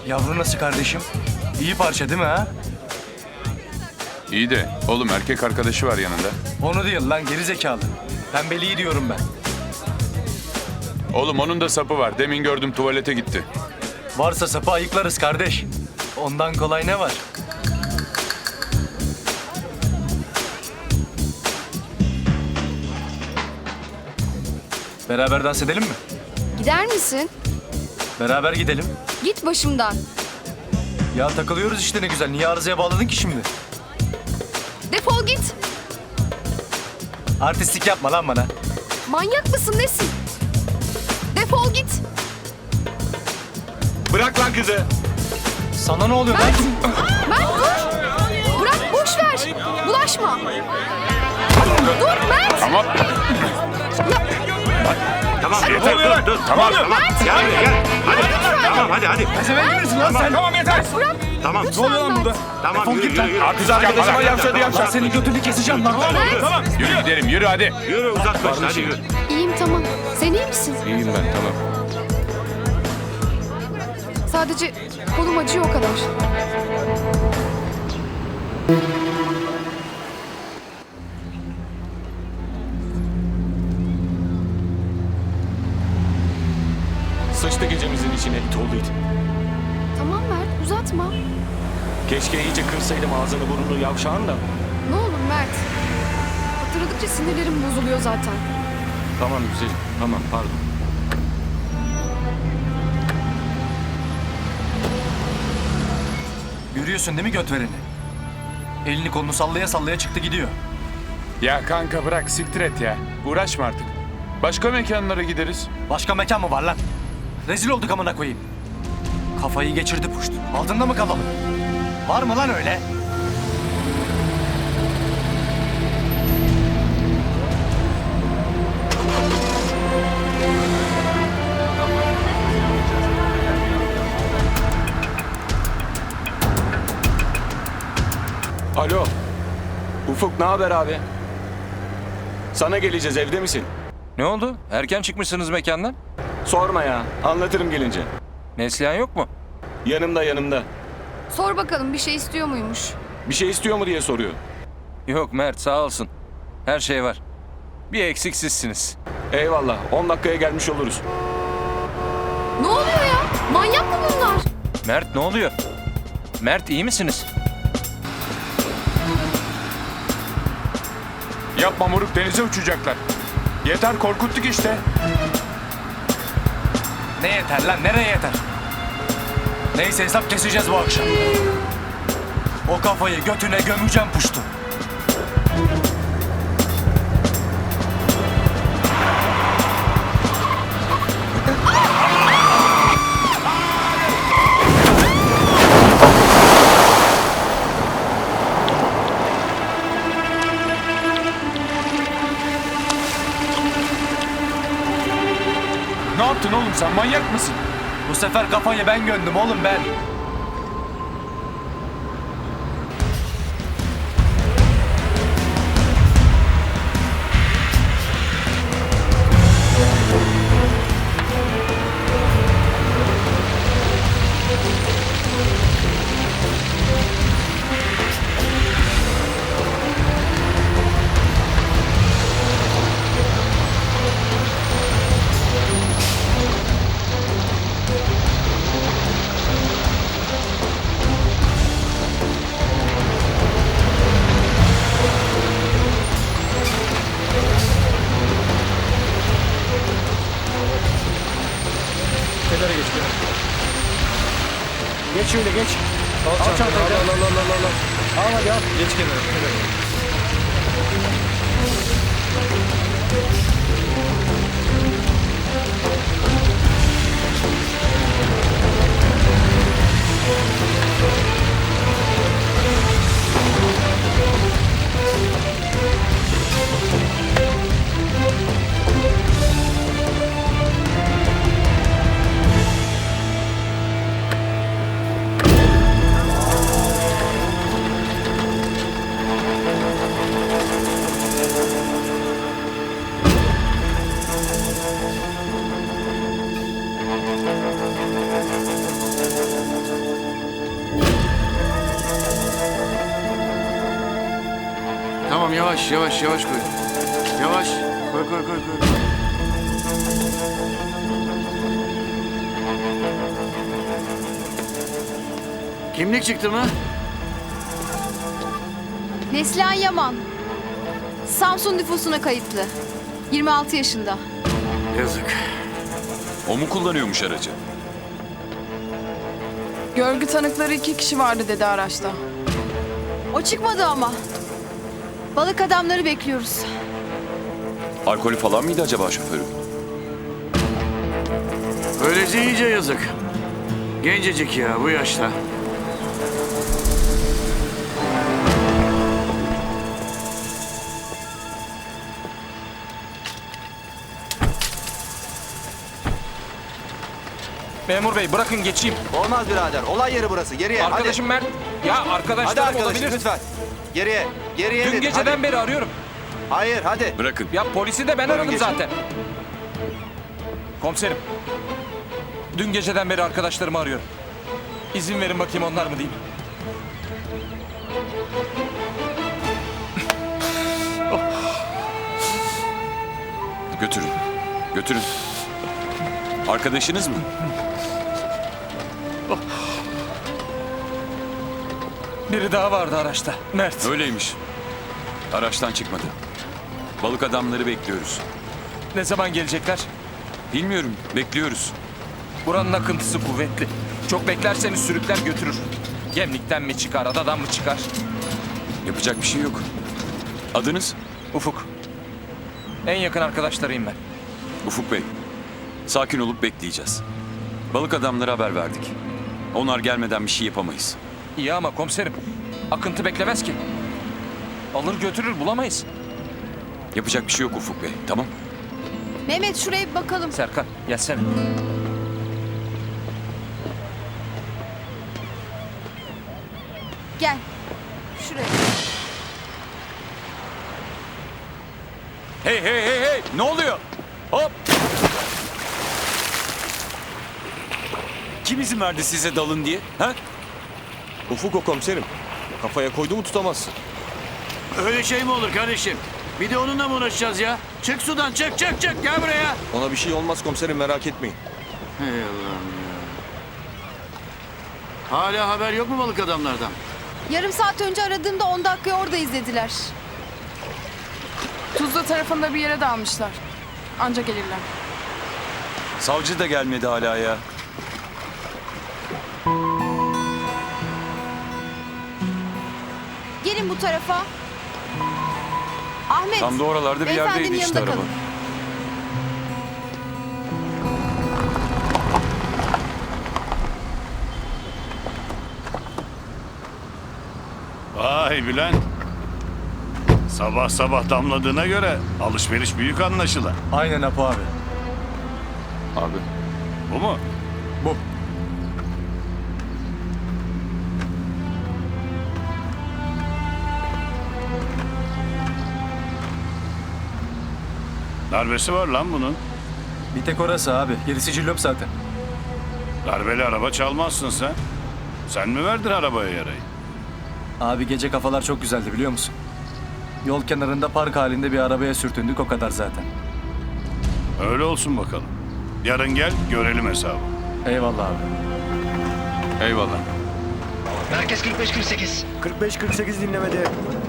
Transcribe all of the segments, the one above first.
Yavru nasıl kardeşim? İyi parça değil mi ha? İyi de oğlum erkek arkadaşı var yanında. Onu değil lan geri zekalı. Pembeliği diyorum ben. Oğlum onun da sapı var. Demin gördüm tuvalete gitti. Varsa sapı ayıklarız kardeş. Ondan kolay ne var? Beraber dans edelim mi? Gider misin? Beraber gidelim. Git başımdan. Ya takılıyoruz işte ne güzel. Niye arızaya bağladın ki şimdi? Defol git. Artistlik yapma lan bana. Manyak mısın nesin? Defol git. Bırak lan kızı. Sana ne oluyor lan? Mert dur. Bırak boş ver. Bulaşma. Dur Mert. Tamam. Tamam yeter dur. Tamam. Mert. Gel buraya gel. Hadi. Tamam hadi. Pezevenk misin lan sen? Tamam yeter. Bırak. Tamam. Lütfen Mert. Tamam Defol yürü git lan. yürü. Kız arkadaşıma yavşadı Lan yavşadı. senin götünü keseceğim lan. Tamam. Yürü gidelim yürü hadi. Yürü uzaklaş hadi yürü. İyiyim tamam. Sen iyi misin? İyiyim ben tamam. Sadece kolum acıyor o kadar. Sıçtı gecemizin içine it oldu it. Tamam Mert uzatma. Keşke iyice kırsaydım ağzını burnunu yavşağın da. Ne olur Mert. Hatırladıkça sinirlerim bozuluyor zaten. Tamam güzelim tamam pardon. Görüyorsun değil mi göt vereni? Elini kolunu sallaya sallaya çıktı gidiyor. Ya kanka bırak siktir et ya. Uğraşma artık. Başka mekanlara gideriz. Başka mekan mı var lan? Rezil olduk amına koyayım. Kafayı geçirdi puşt. Altında mı kalalım? Var mı lan öyle? Alo. Ufuk ne haber abi? Sana geleceğiz evde misin? Ne oldu? Erken çıkmışsınız mekandan. Sorma ya anlatırım gelince. Neslihan yok mu? Yanımda. Sor bakalım bir şey istiyor muymuş? Bir şey istiyor mu diye soruyor. Yok Mert sağ olsun. Her şey var. Bir eksik sizsiniz. Eyvallah 10 dakikaya gelmiş oluruz. Ne oluyor ya? Manyak mı bunlar? Mert ne oluyor? Mert iyi misiniz? Yapma moruk denize uçacaklar. Yeter korkuttuk işte. Ne yeter lan? Nereye yeter? Neyse hesap keseceğiz bu akşam. O kafayı götüne gömeceğim puştu. Ne yaptın oğlum sen manyak mısın? Bu sefer kafayı ben gömdüm oğlum ben. Kenara geç. Geç şöyle geç. Al çantayı. Al hadi al. Geç kenara. Yavaş yavaş yavaş koy. Yavaş. Koy koy koy koy. Kimlik çıktı mı? Neslihan Yaman. Samsun nüfusuna kayıtlı. 26 yaşında. Yazık. O mu kullanıyormuş aracı? Görgü tanıkları 2 kişi vardı dedi araçta. O çıkmadı ama. Balık adamları bekliyoruz. Alkolü falan mıydı acaba şoförü? Öylece iyice yazık. Gencecik ya bu yaşta. Memur bey bırakın geçeyim. Olmaz birader. Olay yeri burası. Geriye. Arkadaşım Mert. Ya Hadi arkadaşlarım arkadaşım olabilir. lütfen. Geriye. Geriye Dün dedim. geceden Hadi. beri arıyorum. Hayır hadi. Bırakın. Ya polisi de ben Buyurun aradım geçin. zaten. Komiserim. Dün geceden beri arkadaşlarımı arıyorum. İzin verin bakayım onlar mı diyeyim. Götürün. Götürün. Arkadaşınız mı? Biri daha vardı araçta. Mert. Öyleymiş. Araçtan çıkmadı. Balık adamları bekliyoruz. Ne zaman gelecekler? Bilmiyorum. Bekliyoruz. Buranın akıntısı kuvvetli. Çok beklerseniz sürükler götürür. Gemlikten mi çıkar, adadan mı çıkar? Yapacak bir şey yok. Adınız? Ufuk. En yakın arkadaşlarıyım ben. Ufuk Bey. Sakin olup bekleyeceğiz. Balık adamlara haber verdik. Onlar gelmeden bir şey yapamayız. İyi ama komiserim. Akıntı beklemez ki. Alır götürür bulamayız. Yapacak bir şey yok Ufuk Bey. Tamam? Mehmet şuraya bir bakalım. Serkan gelsene. Gel. Şuraya. Hey hey hey hey! Ne oluyor? Hop! Kim izin verdi size dalın diye? Ha? Ufuk o komiserim. Kafaya koydu mu tutamazsın. Öyle şey mi olur kardeşim? Bir de onunla mı uğraşacağız ya? Çık sudan çık çık çık gel buraya. Ona bir şey olmaz komiserim merak etmeyin. Hey Allah'ım ya. Hala haber yok mu balık adamlardan? Yarım saat önce aradığımda 10 dakika orada izlediler. Tuzla tarafında bir yere dalmışlar. Anca gelirler. Savcı da gelmedi hala ya. Gelin bu tarafa. Ahmet. Tam da oralarda bir beyefendinin yerdeydi işte yanında araba. kalın. Vay Bülent. Sabah sabah damladığına göre alışveriş büyük anlaşılan. Aynen Apo abi. Abi. Bu mu? Bu. Darbesi var lan bunun. Bir tek orası abi. Gerisi cillop zaten. Darbeli araba çalmazsın sen. Sen mi verdin arabaya yarayı? Abi gece kafalar çok güzeldi biliyor musun? Yol kenarında park halinde bir arabaya sürtündük o kadar zaten. Öyle olsun bakalım. Yarın gel görelim hesabı. Eyvallah abi. Eyvallah. Merkez 45-48. 45-48 dinlemede.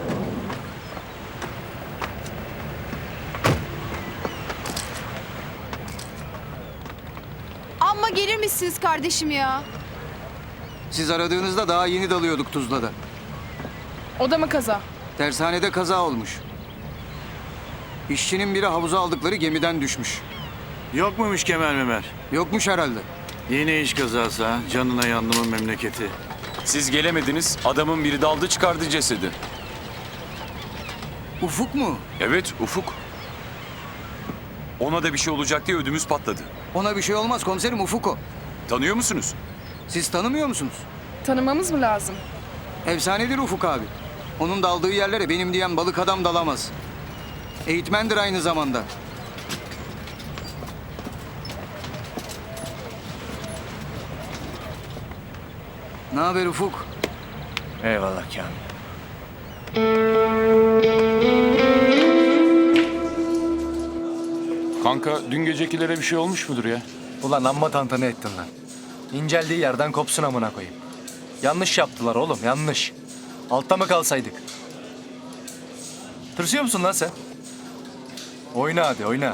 Amma gelir misiniz kardeşim ya? Siz aradığınızda daha yeni dalıyorduk Tuzla'da. O da mı kaza? Tersanede kaza olmuş. İşçinin biri havuza aldıkları gemiden düşmüş. Yok muymuş kemer memer? Yokmuş herhalde. Yine iş kazası ha. Canına yandımın memleketi. Siz gelemediniz. Adamın biri daldı çıkardı cesedi. Ufuk mu? Evet Ufuk. Ona da bir şey olacak diye ödümüz patladı. Ona bir şey olmaz komiserim, Ufuk o. Tanıyor musunuz? Siz tanımıyor musunuz? Tanımamız mı lazım? Efsanedir Ufuk abi. Onun daldığı yerlere benim diyen balık adam dalamaz. Eğitmendir aynı zamanda. Ne haber Ufuk? Eyvallah Kamil. Kanka dün gecekilere bir şey olmuş mudur ya? Ulan amma tantana ettin lan. İnceldiği yerden kopsun amına koyayım. Yanlış yaptılar oğlum, yanlış. Altta mı kalsaydık? Tırsıyor musun lan sen? Oyna hadi, oyna.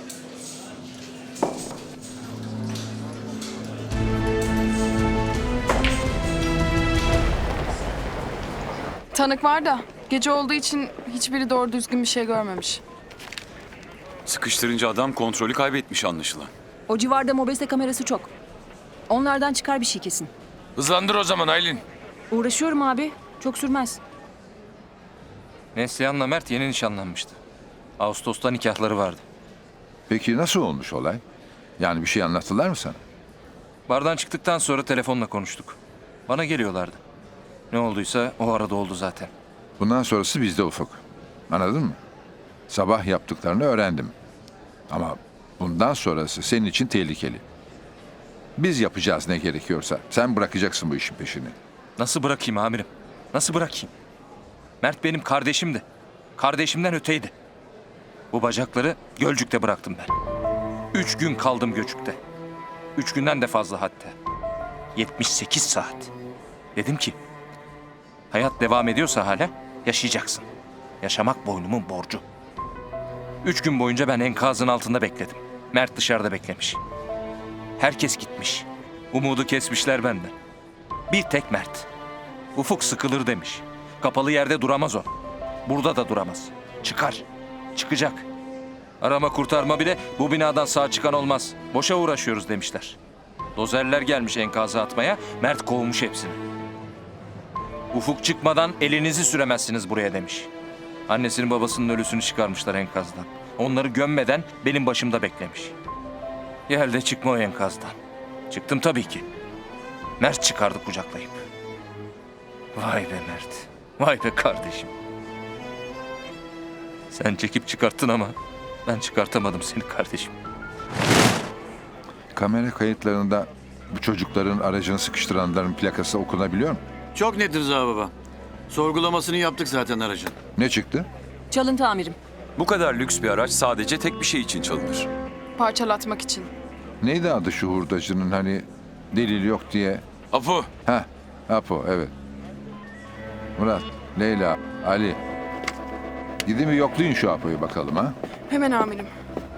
Tanık var da gece olduğu için hiçbiri doğru düzgün bir şey görmemiş. Sıkıştırınca adam kontrolü kaybetmiş anlaşılan. O civarda mobese kamerası çok. Onlardan çıkar bir şey kesin. Hızlandır o zaman Aylin. Uğraşıyorum abi. Çok sürmez. Neslihan'la Mert yeni nişanlanmıştı. Ağustos'ta nikahları vardı. Peki nasıl olmuş olay? Yani bir şey anlattılar mı sana? Bardan çıktıktan sonra telefonla konuştuk. Bana geliyorlardı. Ne olduysa o arada oldu zaten. Bundan sonrası bizde Ufuk. Anladın mı? Sabah yaptıklarını öğrendim. Ama bundan sonrası senin için tehlikeli. Biz yapacağız ne gerekiyorsa. Sen bırakacaksın bu işin peşini. Nasıl bırakayım amirim? Nasıl bırakayım? Mert benim kardeşimdi. Kardeşimden öteydi. Bu bacakları Gölcük'te bıraktım ben. 3 gün kaldım Göçük'te. 3 günden de fazla hatta. 78 saat. Dedim ki, hayat devam ediyorsa hala yaşayacaksın. Yaşamak boynumun borcu. 3 gün boyunca ben enkazın altında bekledim. Mert dışarıda beklemiş. Herkes gitmiş. Umudu kesmişler benden. Bir tek Mert. Ufuk sıkılır demiş. Kapalı yerde duramaz o. Burada da duramaz. Çıkar. Çıkacak. Arama kurtarma bile bu binadan sağ çıkan olmaz. Boşa uğraşıyoruz demişler. Dozerler gelmiş enkazı atmaya, Mert kovmuş hepsini. Ufuk çıkmadan elinizi süremezsiniz buraya demiş. Annesinin babasının ölüsünü çıkarmışlar enkazdan. Onları gömmeden benim başımda beklemiş. Gel de çıkma o enkazdan. Çıktım tabii ki. Mert çıkardı kucaklayıp. Vay be Mert. Vay be kardeşim. Sen çekip çıkarttın ama ben çıkartamadım seni kardeşim. Kamera kayıtlarında bu çocukların aracını sıkıştıranların plakası okunabiliyor mu? Çok net Rıza baba. Sorgulamasını yaptık zaten aracın. Ne çıktı? Çalıntı amirim. Bu kadar lüks bir araç sadece tek bir şey için çalınır. Parçalatmak için. Neydi adı şu hurdacının hani delil yok diye? Apo. Heh, Apo evet. Murat, Leyla, Ali. Gidin bir yoklayın şu Apo'yu bakalım ha. Hemen amirim.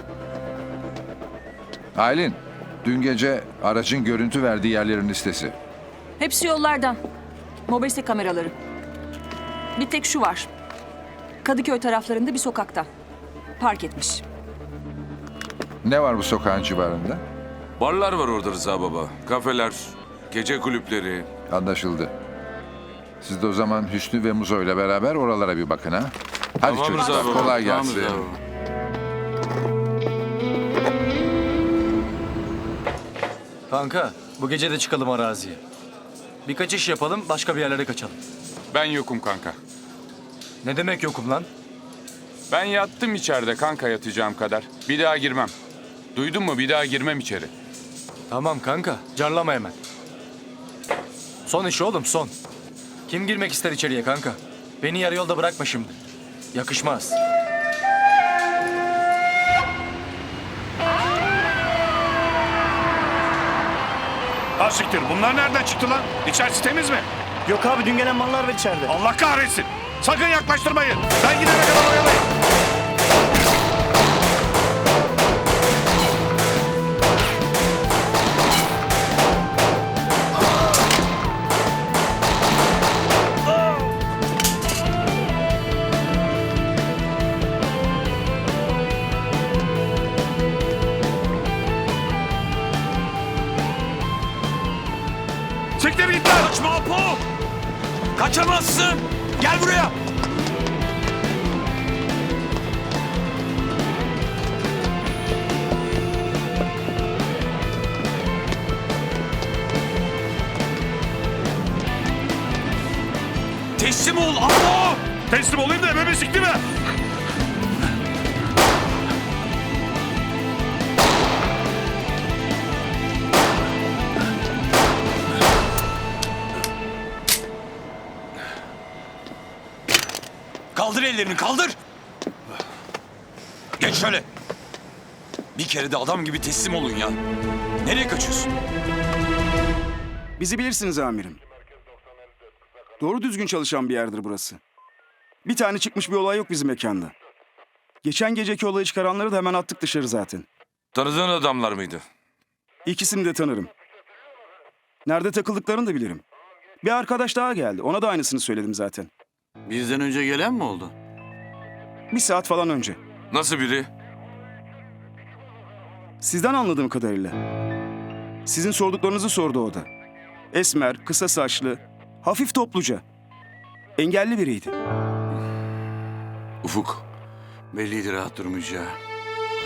Aylin, dün gece aracın görüntü verdiği yerlerin listesi. Hepsi yollardan. Mobese kameraları. Bir tek şu var. Kadıköy taraflarında bir sokakta. Park etmiş. Ne var bu sokağın civarında? Barlar var orada Rıza baba. Kafeler, gece kulüpleri. Anlaşıldı. Siz de o zaman Hüsnü ve Muzo ile beraber oralara bir bakın ha. Hadi Tamam çocuklar, Rıza baba. kolay Tamam gelsin. Rıza baba. Kanka, bu gece de çıkalım araziye. Birkaç iş yapalım, başka bir yerlere kaçalım. Ben yokum kanka. Ne demek yokum lan? Ben yattım içeride kanka yatacağım kadar. Bir daha girmem. Duydun mu? Bir daha girmem içeri. Tamam kanka, carlama hemen. Son iş oğlum, son. Kim girmek ister içeriye kanka? Beni yarı yolda bırakma şimdi. Yakışmaz. Ha siktir, bunlar nereden çıktı lan? İçerisi temiz mi? Yok abi dün gelen mallar var içeride. Allah kahretsin. Sakın yaklaştırmayın. Ben gidene kadar oyalayın. Siktir git lan. Kaçma Apo! Kaçamazsın! Gel buraya! Teslim ol Apo! Teslim olayım da ebemi sikti mi? Kaldır ellerini, kaldır! Geç şöyle. Bir kere de adam gibi teslim olun ya. Nereye kaçıyorsun? Bizi bilirsiniz amirim. Doğru düzgün çalışan bir yerdir burası. Bir tane çıkmış bir olay yok bizim mekanda. Geçen geceki olayı çıkaranları da hemen attık dışarı zaten. Tanıdığın adamlar mıydı? İkisini de tanırım. Nerede takıldıklarını da bilirim. Bir arkadaş daha geldi. Ona da aynısını söyledim zaten. Bizden önce gelen mi oldu? Bir saat falan önce. Nasıl biri? Sizden anladığım kadarıyla. Sizin sorduklarınızı sordu o da. Esmer, kısa saçlı, hafif topluca. Engelli biriydi. Ufuk, Belliydi rahat durmayacağı.